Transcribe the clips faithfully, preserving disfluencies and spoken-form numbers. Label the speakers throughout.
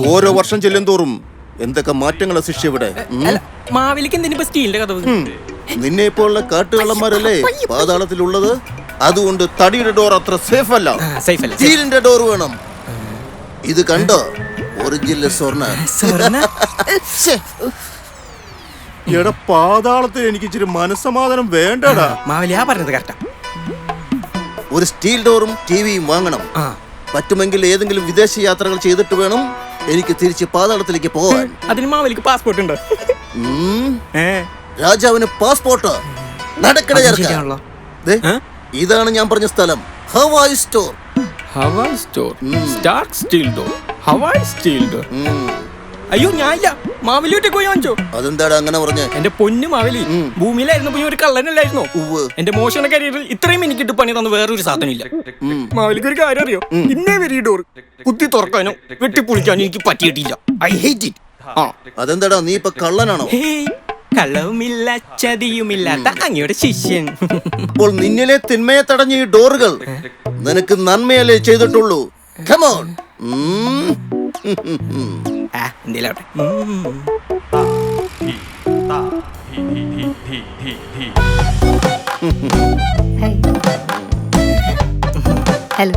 Speaker 1: ഓരോ വർഷം ചെല്ലും തോറും എന്തൊക്കെ മാറ്റങ്ങളാ ശിഷ്യ ഇവിടെ.
Speaker 2: മാവേലിക്ക് എന്തിനാ സ്റ്റീലിന്റെ കഥ?
Speaker 1: നിന്നെ ഇപ്പോഴുള്ള കാട്ടുകള്ളന്മാരല്ലേ പാതാളത്തിലുള്ളത്. അതുകൊണ്ട് തടിയുടെ ഡോർ അത്ര സേഫ് അല്ല, സ്റ്റീലിന്റെ ഡോർ വേണം. ഇത് കണ്ടോ, ഒറിജിനൽ സ്വർണ്ണ. എടാ പാതാളത്തിൽ എനിക്ക് ഇച്ചിരി മനസ്സമാധാനം വേണ്ടടാ.
Speaker 2: മാവേലിയാ പറഞ്ഞത് കറക്റ്റാ.
Speaker 1: ഒരു സ്റ്റീൽ ഡോറും ടിവിയും വാങ്ങണം. പറ്റുമെങ്കിൽ ഏതെങ്കിലും വിദേശ യാത്രകൾ ചെയ്തിട്ട് വേണം എനിക്ക് തിരിച്ച് പാതാളത്തിലേക്ക് പോകാൻ.
Speaker 2: അതിന് മാവേലിക്ക് പാസ്പോർട്ട് ഉണ്ടോ?
Speaker 1: രാജാവിന് പാസ്പോർട്ട് നടക്കണ. ഇതാണ് ഞാൻ പറഞ്ഞ സ്ഥലം, Hawaii store.
Speaker 2: Hawaii store, stark steel door, Hawaii steel door. അയ്യോ ഞാനില്ല, മാവേലിയോട്ടെ പോയി വാങ്ങിച്ചോ.
Speaker 1: അതെന്താടാ അങ്ങനെ പറഞ്ഞ?
Speaker 2: എന്റെ പൊന്നു മാവേലി, ഭൂമിയിലായിരുന്നു പോയി ഒരു കള്ളനല്ലായിരുന്നോ? എന്റെ മോശം കരിയറിൽ ഇത്രയും എനിക്കിട്ട് പണി തന്ന വേറൊരു സാധനം ഇല്ല. മാവേലിക്ക് ഒരു കാര്യം അറിയോ? ഇന്നേ വരെ ഈ ഡോർ കുത്തി തുറക്കാനോ വെട്ടിപ്പൊളിക്കാനോ എനിക്ക് പറ്റിയിട്ടില്ല. I hate it.
Speaker 1: അതെന്താടാ, നീ ഇപ്പൊ കള്ളനാണോ?
Speaker 2: കള്ളവുമില്ല ചതിയുമില്ലാത്ത അങ്ങയുടെ ശിഷ്യൻ.
Speaker 1: അപ്പോൾ നിന്നിലെ തിന്മയെ തടഞ്ഞ ഈ ഡോറുകൾ നിനക്ക് നന്മയല്ലേ ചെയ്തിട്ടുള്ളൂ. Come on.
Speaker 2: എന്തിലാവട്ടെ.
Speaker 3: ഹലോ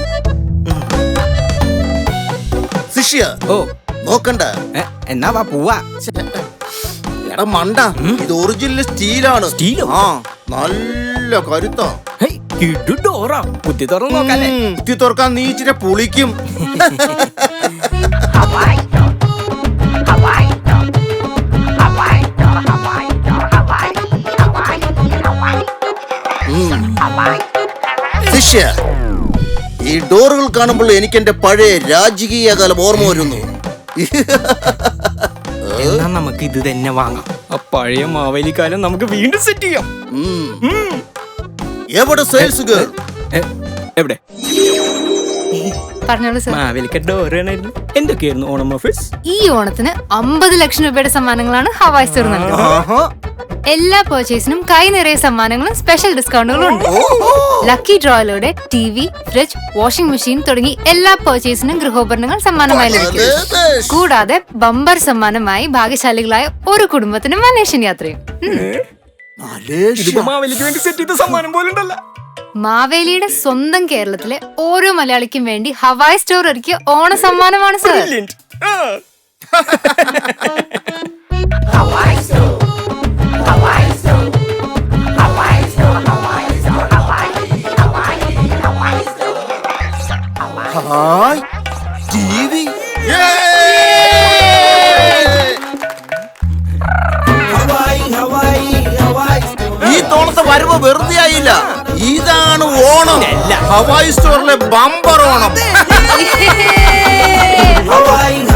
Speaker 1: ശിഷ്യ. ഓ നോക്കണ്ട,
Speaker 2: എന്നാ വാ പോവാ.
Speaker 1: എടാ മണ്ട, ഇത് ഒറിജിനൽ സ്റ്റീലാണ്.
Speaker 2: സ്റ്റീലോ?
Speaker 1: ആ, നല്ല കരുത്താ.
Speaker 2: ഡോറാ കുത്തി തുറന്ന് നോക്കാല്ലേ?
Speaker 1: കുത്തി തുറക്കാൻ നീ ഇച്ചിരി പൊളിക്കും. ശിഷ്യ, ഈ ഡോറുകൾ കാണുമ്പോൾ എനിക്ക് എന്റെ പഴയ രാജകീയ കാലം ഓർമ്മ വരുന്നു.
Speaker 2: എന്നാ നമുക്ക് ഇത് തന്നെ വാങ്ങാം. ആ പഴയ മാവേലി കാലം നമുക്ക് വീണ്ടും സെറ്റ് ചെയ്യാം.
Speaker 1: എവിടെ സെയിൽസ് ഗേൾ?
Speaker 2: എവിടെ?
Speaker 3: പറഞ്ഞോളൂ സർ.
Speaker 2: മാവേലിക്ക് ഡോർ വേണമായിരുന്നു. എന്തൊക്കെയായിരുന്നു ഓണം ഓഫേഴ്സ്?
Speaker 3: ഈ ഓണത്തിന് അമ്പത് ലക്ഷം രൂപയുടെ സമ്മാനങ്ങളാണ് ഹവായ് സ്റ്റോർ നൽകുന്നത്. എല്ലാ പർച്ചേസിനും കൈ നിറയെ സമ്മാനങ്ങളും സ്പെഷ്യൽ ഡിസ്കൗണ്ടുകളും ഉണ്ട്. ലക്കി ഡ്രോയിലൂടെ T V, fridge, washing machine തുടങ്ങി എല്ലാ പർച്ചേസിനും ഗൃഹോപകരണങ്ങൾ സമ്മാനമായി ലഭിക്കും. കൂടാതെ ബമ്പർ സമ്മാനമായി ഭാഗ്യശാലികളായ ഒരു കുടുംബത്തിനും മലേഷ്യൻ യാത്രയും.
Speaker 2: മാവേലിക്ക് വേണ്ടി സെറ്റ് ചെയ്ത സമ്മാനം പോലുണ്ടല്ലോ.
Speaker 3: മാവേലിയുടെ സ്വന്തം കേരളത്തിലെ ഓരോ മലയാളിക്കും വേണ്ടി ഹവായ് സ്റ്റോർ ഒരുക്കിയ ഓണ സമ്മാനമാണ് സർ.
Speaker 1: ഈ തോളത്തെ വരവ് വെറുതെ ആയില്ല. ഇതാണ് ഓണം, ഹവായ് സ്റ്റോറിലെ ബമ്പർ ഓണം.